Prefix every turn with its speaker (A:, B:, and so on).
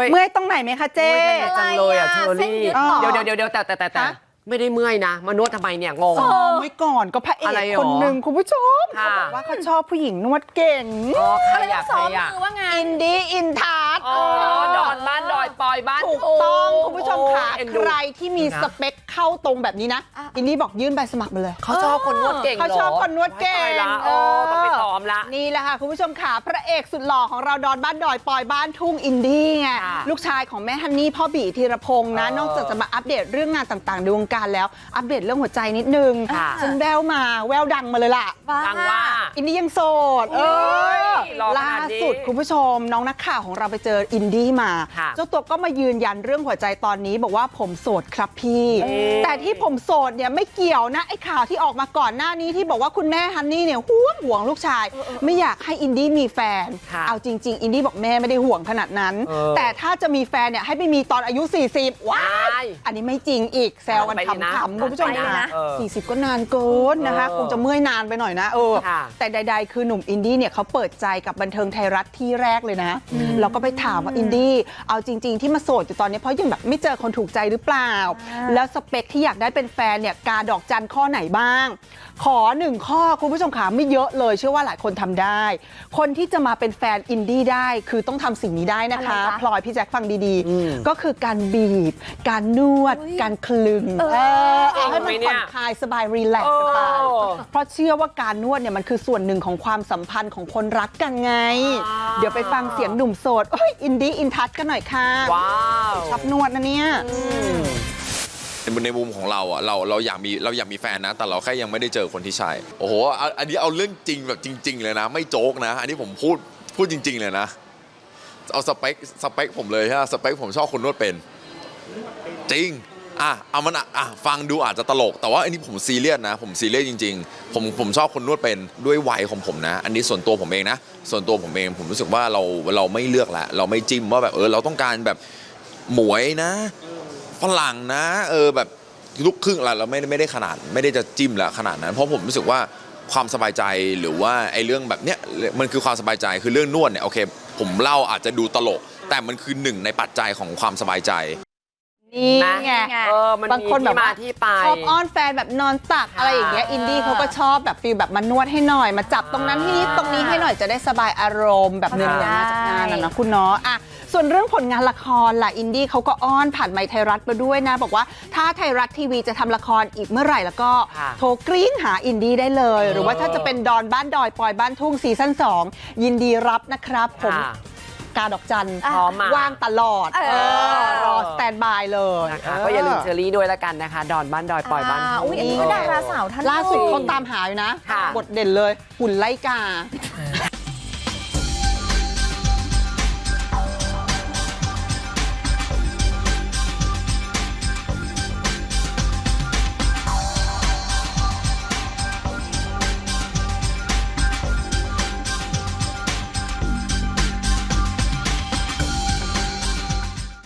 A: เมื่อยตรงไหนไหมคะเจ๊
B: จังเลยอ่ะเชอรี่เดี๋ยวแต่ไม่ได้เมื่อยนะมานวดทำไมเนี่ยงง
A: เมื่อก่อนก็พระเอกคนหนึ่งคุณผู้ชมเขาบอกว่าเขาชอบผู้หญิงนวดเก่ง
B: ใครอยากซ้อมมือว่าไง
A: อินดี้อินทัศ
B: ดอนบ้านดอยปอยบ้าน
A: ถูกต้องคุณผู้ชมค่ะใครที่มีสเปคเข้าตรงแบบนี้นะอินดี้บอกยื่นใบสมัครมาเลย
B: เขาชอบคนนวดเก่ง
A: เขาชอบคนนวดเก่ง
B: ต้องไปซ้อมละ
A: นี่แหละค่ะคุณผู้ชมค่ะพระเอกสุดหล่อของเราดอนบ้านดอยปอยบ้านทุ่งอินดี้ไงลูกชายของแม่ฮันนี่พ่อบีธีรพงษ์นะนอกจากจะมาอัปเดตเรื่องงานต่างๆในวงการแล้วอัปเดตเรื่องหัวใจนิดนึงฉันแววดังมาเลยล่ะ
B: ดังว่า
A: อินดี้ยังโสดล่าสุดคุณผู้ชมน้องนักข่าวของเราไปเจออินดี้มาเจ้าตัวก็มายืนยันเรื่องหัวใจตอนนี้บอกว่าผมโสดครับพี่แต่ที่ผมโสดเนี่ยไม่เกี่ยวนะไอ้ข่าวที่ออกมาก่อนหน้านี้ที่บอกว่าคุณแม่ฮันนี่เนี่ยห่วงลูกชายไม่อยากให้อินดี้มีแฟนเอาจริงๆอินดี้บอกแม่ไม่ได้ห่วงขนาดนั้นแต่ถ้าจะมีแฟนเนี่ยให้ไปมีตอนอายุ40ว้ายอันนี้ไม่จริงอีกแซวกันขำๆคุณผู้ชมนะ40ก็นานเกินนะคะคงจะเมื่อยนานไปหน่อยนะแต่ใดๆคือหนุ่มอินดี้เนี่ยเขาเปิดใจกับบันเทิงไทยรัฐที่แรกเลยนะเราก็ไปถามว่าอินดี้เอาจริงๆที่มาโสดอยู่ตอนนี้เพราะยังแบบไม่เจอคนถูกใจหรือเปล่าแล้วสเปคที่อยากได้เป็นแฟนเนี่ยกาดอกจันข้อไหนบ้างขอ1ข้อคุณผู้ชมขาไม่เยอะเลยเชื่อว่าหลายคนทำได้คนที่จะมาเป็นแฟนอินดี้ได้คือต้องทำสิ่งนี้ได้นะคะพลอยพี่แจ็คฟังดีๆก็คือการบีบการนวดการคลึงเอาให้มันผ่อนคลายสบายรีแลกซ์กันไปเพราะเชื่อว่าการนวดเนี่ยมันคือส่วนหนึ่งของความสัมพันธ์ของคนรักกันไงเดี๋ยวไปฟังเสียงหนุ่มโสดอินดี้อินทัชกันหน่อยค่ะ
B: ว้าว
A: ชอบนวดนะเนี่ย
C: ในมุมของเราอ่ะเราอยากมีแฟนนะแต่เราแค่ยังไม่ได้เจอคนที่ใช่โอ้โหอันนี้เอาเรื่องจริงแบบจริงๆเลยนะไม่โจ๊กนะอันนี้ผมพูดจริงๆเลยนะเอาสเปคผมเลยฮะสเปคผมชอบคนนวดเป็นจริงเอามันฟังดูอาจจะตลกแต่ว่าอันนี้ผมซีเรียสนะผมซีเรียสจริงๆผมชอบคนนวดเป็นด้วยวัยของผมนะอันนี้ส่วนตัวผมเองนะส่วนตัวผมเองผมรู้สึกว่าเราไม่เลือกแล้วเราไม่จิ้มว่าแบบเราต้องการแบบหมวยนะฝรั่งนะแบบลูกครึ่งอะไรเราไม่ได้ขนาดไม่ได้จะจิ้มแล้วขนาดนั้นเพราะผมรู้สึกว่าความสบายใจหรือว่าไอ้เรื่องแบบเนี้ยมันคือความสบายใจคือเรื่องนวดเนี่ยโอเคผมเล่าอาจจะดูตลกแต่มันคือหนึ่งในปัจจัยของความสบายใจ
A: นี่ไงบางคนแบบว่าชอบอ้อนแฟนแบบนอนตักอะไรอย่างเงี้ยอินดี้เขาก็ชอบแบบฟีลแบบมานวดให้หน่อยมาจับตรงนั้นที่ตรงนี้ให้หน่อยจะได้สบายอารมณ์แบบเนื้อมาจากงานนะคุณเนาะส่วนเรื่องผลงานละครล่ะอินดี้เขาก็อ้อนผ่านไมค์ไทยรัฐมาด้วยนะบอกว่าถ้าไทยรัฐทีวีจะทำละครอีกเมื่อไหร่แล้วก็โทรกรี๊ดหาอินดี้ได้เลยหรือว่าถ้าจะเป็นดอนบ้านดอยปอยบ้านทุ่งซีซั่น2ยินดีรับนะครับผมกาดอกจันว่างตลอดรอสแตนบายเลย
B: นะคะก็อย่าลืมเชอรี่ด้วยละกันนะคะดอนบ้านดอยปอยบ้าน
D: อันนี้ก็ดาราสาวท่าน
A: ล่าสุดคนตามหาอยู่นะบทเด่นเลยหุ่นไล่กา